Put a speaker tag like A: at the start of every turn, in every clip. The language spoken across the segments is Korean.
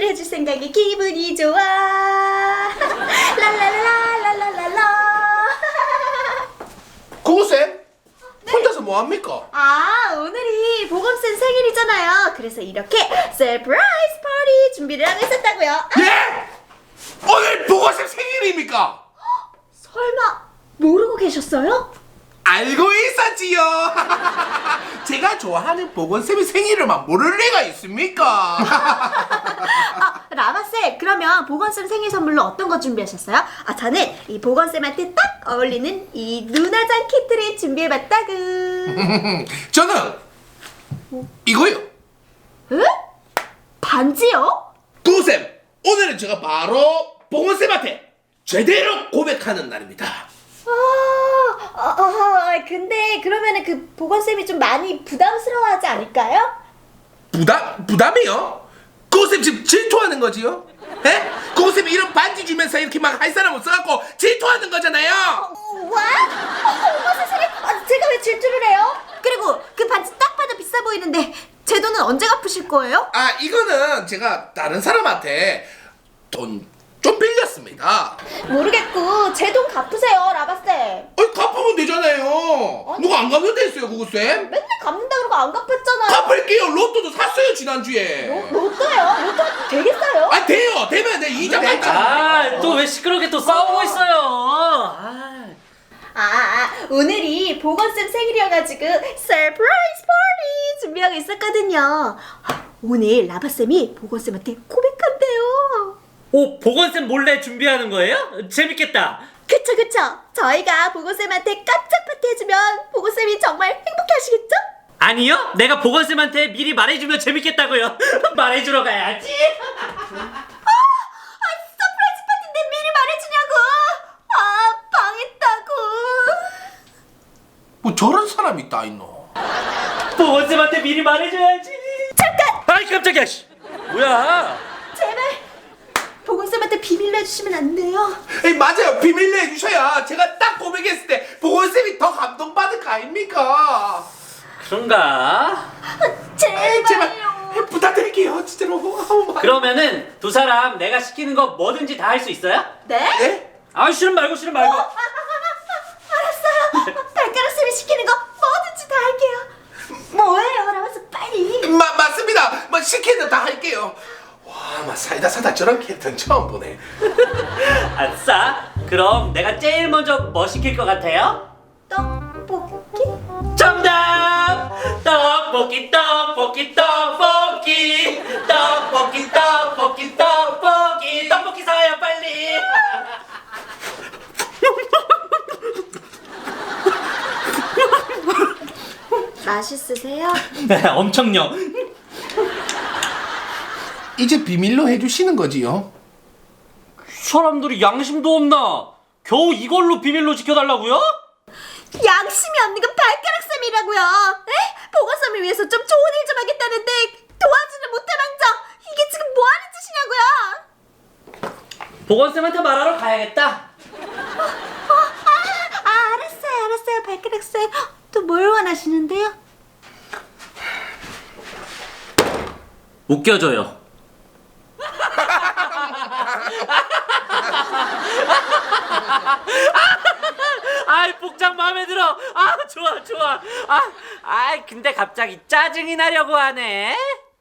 A: 해줄 생각에 기분이 좋아. 랄랄랄랄랄랄라.
B: 구구쌤? 혼자서 뭐합니까?
A: 아, 오늘이 보검쌤 생일이잖아요. 그래서 이렇게 서프라이즈 파티 준비를 하고 있었다고요.
B: 예? 오늘 보건쌤 생일입니까?
A: 설마 모르고 계셨어요?
B: 알고 있었지요. 제가 좋아하는 보건쌤의 생일을만 모를 리가 있습니까?
A: 아, 라마쌤, 그러면 보건쌤 생일 선물로 어떤 거 준비하셨어요? 아, 저는 이 보건쌤한테 딱 어울리는 이 눈화장 키트를 준비해봤다구.
B: 저는 이거요.
A: 에? 반지요?
B: 구구쌤, 오늘은 제가 바로 보건쌤한테 제대로 고백하는 날입니다.
A: 근데 그러면은 그 보건쌤이 좀 많이 부담스러워하지 않을까요?
B: 부담이요? 구구쌤 지금 질투하는 거지요? 에? 구구쌤이 이런 반지 주면서 이렇게 막 할 사람 없어갖고 질투하는 거잖아요.
A: 와? 어머 세상에, 제가 왜 질투를 해요? 그리고 그 반지 딱 봐도 비싸 보이는데 제 돈은 언제 갚으실 거예요?
B: 아, 이거는 제가 다른 사람한테 돈 좀 빌렸습니다.
A: 모르겠고 제 돈 갚으세요, 라바쌤.
B: 아니, 갚으면 되잖아요. 누가 안 갚는 데 있어요, 구구쌤?
A: 맨날 갚는다 그러고 안 갚았잖아요.
B: 갚을게요. 로또도 샀어요, 지난주에.
A: 로또요? 로또 되겠어요?
B: 아, 돼요. 되면 내 이자 갚잖아.
C: 또 왜 시끄럽게 또 싸우고 있어요?
A: 오늘이 보건쌤 생일이어가지고 서프라이즈 파티 준비하고 있었거든요. 오늘 라바쌤이 보건쌤한테 고백한대요.
C: 오, 보건쌤 몰래 준비하는 거예요? 재밌겠다.
A: 그쵸. 저희가 보건쌤한테 깜짝 파티 해주면 보건쌤이 정말 행복해 하시겠죠?
C: 아니요, 내가 보건쌤한테 미리 말해주면 재밌겠다고요. 말해주러 가야지.
A: 서프라이즈 파티인데 미리 말해주냐고. 방했다고.
B: 뭐 저런 사람이 있다, 있노.
C: 보건쌤한테 미리 말해줘야지.
A: 잠깐.
C: 아이 깜짝이야. 씨. 뭐야?
A: 제발 보건쌤한테 비밀로 해주시면 안 돼요?
B: 에이, 맞아요. 비밀로 해주셔야 제가 딱 고백했을 때 보건쌤이 더 감동받을 거 아닙니까?
C: 그런가?
B: 에이, 제발
A: 제발요.
B: 부탁드릴게요. 진짜로.
C: 그러면은 두 사람 내가 시키는 거 뭐든지 다 할 수 있어요?
A: 네?
B: 예?
C: 아, 싫음 말고.
A: 알았어요. 발가락쌤이 시키는 거 뭐든지 다 할게요. 뭐예요, 라면서 빨리.
B: 맞습니다. 뭐 시키는 다 할게요. 와, 막 사이다 사다 저런 캐릭터는 처음 보네.
C: 아싸. 그럼 내가 제일 먼저 뭐 시킬 것 같아요?
A: 떡볶이?
C: 정답! 떡볶이 떡볶이 떡볶이 떡볶이 떡볶이 떡볶이 떡볶이 사요 빨리.
A: 맛있으세요?
C: 네, 엄청요.
B: 이제 비밀로 해주시는 거지요?
C: 사람들이 양심도 없나? 겨우 이걸로 비밀로 지켜달라고요?
A: 양심이 없는 건 발가락쌤이라고요. 에? 보건쌤을 위해서 좀 좋은 일 좀 하겠다는데 도와주는 못해망정. 이게 지금 뭐 하는 짓이냐고요.
C: 보건쌤한테 말하러 가야겠다.
A: 알았어요, 발가락쌤. 또 뭘 원하시는데요?
C: 웃겨줘요. 아이, 복장 마음에 들어. 아, 좋아. 근데 갑자기 짜증이 나려고 하네.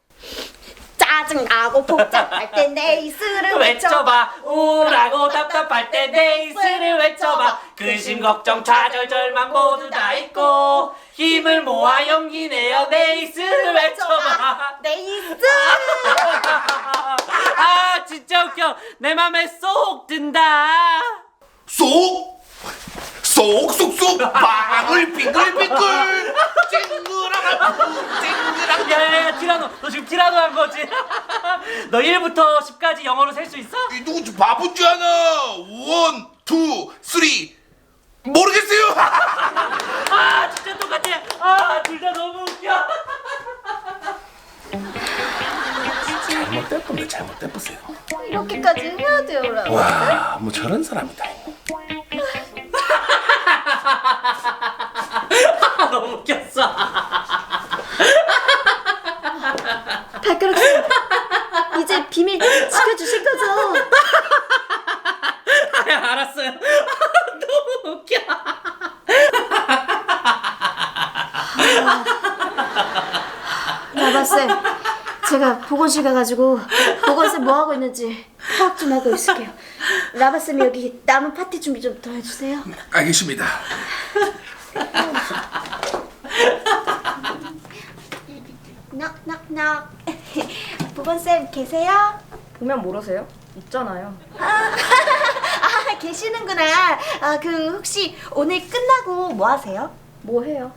A: 짜증나고 복잡할 때 네이스를
C: 외쳐봐. 우울하고 답답할 때 네이스를 외쳐봐. 근심 걱정 좌절 절망 모두 다 있고 힘을 모아 용기 내어 네이스를 외쳐봐.
A: 네이스.
C: 아, 진짜 웃겨. 내 맘에 쏙 든다.
B: 쏙쏙쏙 빵을 빙글빙글 쨍그랑
C: 야야야, 티라노, 너 지금 티라노 한 거지? 너 1부터 10까지 영어로 셀 수 있어?
B: 이 누구 바본 줄 아나? 1, 2, 3 모르겠어요.
C: 아, 진짜 똑같아. 아, 둘 다 너무 웃겨.
B: 잘못됐어요.
A: 이렇게까지 해야 돼요, 라고.
B: 와, 뭐 저런 사람이다.
C: 너무 웃겼어.
A: 발가락쌤, 이제 비밀 지켜주실 거죠?
C: 아, 알았어요. 너무 웃겨.
A: 라바쌤, 제가 보건실 가가지고 보건쌤 뭐 하고 있는지 파악 좀 하고 있을게요. 라바쌤이 여기 남은 파티 준비 좀 더 해주세요.
B: 알겠습니다.
A: 넉넉넉. 보건쌤 계세요?
D: 보면 모르세요? 있잖아요.
A: 아, 계시는구나. 아, 혹시 오늘 끝나고 뭐 하세요?
D: 뭐 해요?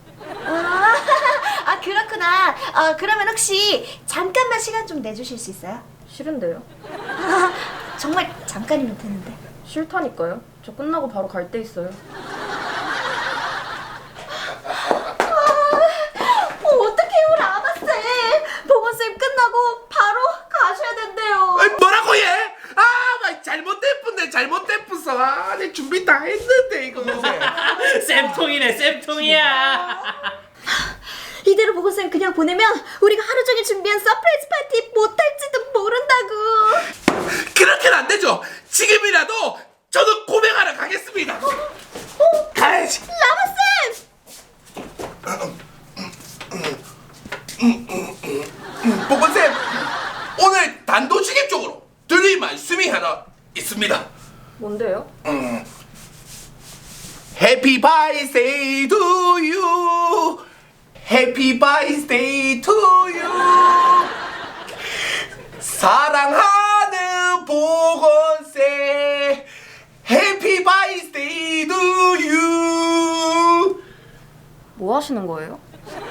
A: 그렇구나. 그러면 혹시 잠깐만 시간 좀 내주실 수 있어요?
D: 싫은데요?
A: 정말 잠깐이면 되는데.
D: 싫다니까요. 저 끝나고 바로 갈 데 있어요.
A: 어떡해요, 라바쌤. 보건쌤 끝나고 바로 가셔야 된대요.
B: 아이, 뭐라고 얘? 막 잘못됐어. 내 준비 다 했는데 이거.
C: 쌤통이네, 쌤통이야.
A: 이대로 보건쌤 그냥 보내면 우리가 하루 종일 준비한 서프라이즈 파티 못할지도 모른다고.
B: 그렇게는 안 되죠. 지금이라도 저도 고백하러 가겠습니다. 가야지.
A: 라바쌤!
B: 보건쌤, 오늘 단도직입적으로 드릴 말씀이 하나 있습니다.
D: 뭔데요?
B: Happy birthday to you. Happy birthday to you. 사랑하는 보건쌤. Happy birthday to you.
D: 뭐 하시는 거예요?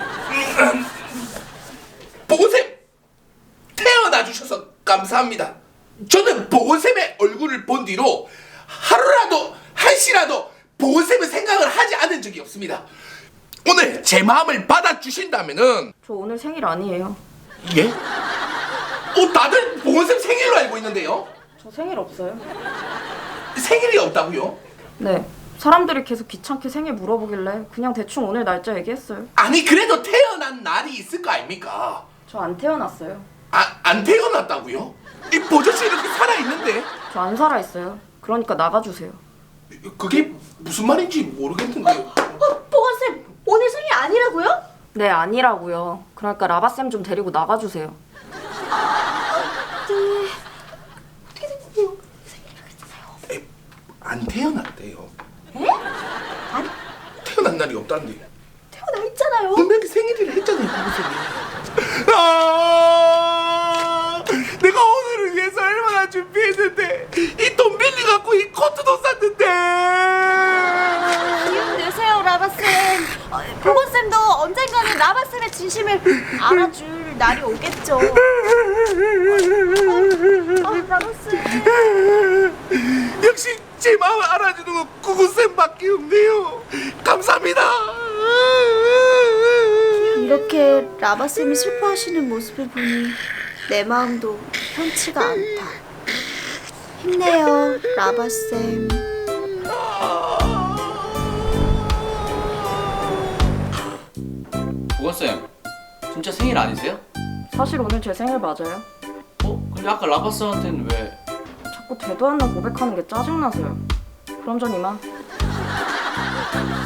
B: 보건쌤, 태어나 주셔서 감사합니다. 저는 보건쌤의 얼굴을 본 뒤로 하루라도 한시라도 보건쌤의 생각을 하지 않은 적이 없습니다. 오늘 제 마음을 받아주신다면은.
D: 저 오늘 생일 아니에요.
B: 예? 다들 보건쌤 생일로 알고 있는데요?
D: 저 생일 없어요.
B: 생일이 없다고요?
D: 네. 사람들이 계속 귀찮게 생일 물어보길래 그냥 대충 오늘 날짜 얘기했어요.
B: 아니 그래도 태어난 날이 있을 거 아닙니까?
D: 저 안 태어났어요.
B: 안 태어났다고요? 이 보저씨 이렇게 살아있는데?
D: 저 안 살아있어요. 그러니까 나가주세요.
B: 그게 무슨 말인지 모르겠는데요.
A: 보건쌤, 오늘 생일 아니라고요?
D: 네, 아니라고요. 그러니까 라바쌤 좀 데리고 나가주세요.
A: 네. 어떻게 됐는데요? 생일이라고 했잖아요.
B: 안 태어났대요.
A: 에? 아니,
B: 태어난 날이 없다는데.
A: 태어나 있잖아요.
B: 분명히 생일이라 했잖아요, 보고쌤이. 내가 오늘을 위해서 얼마나 준비했는데 이 돈 빌려갖고 이 코트도 샀는데.
A: 기운 내세요, 라바쌤. 보건쌤도 언젠가는 라바쌤의 진심을 알아줄 날이 오겠죠. 라바쌤.
B: 역시 제 마음을 알아주는 건 구구쌤밖에 없네요. 감사합니다.
A: 이렇게 라바쌤이 슬퍼하시는 모습을 보니 내 마음도 편치가 않다. 힘내요, 라바쌤.
E: 보건쌤, 진짜 생일 아니세요?
D: 사실 오늘 제 생일 맞아요.
E: 근데 아까 라바스한테는 왜?
D: 자꾸 되도 않는 고백하는 게 짜증나서요. 그럼 전 이만.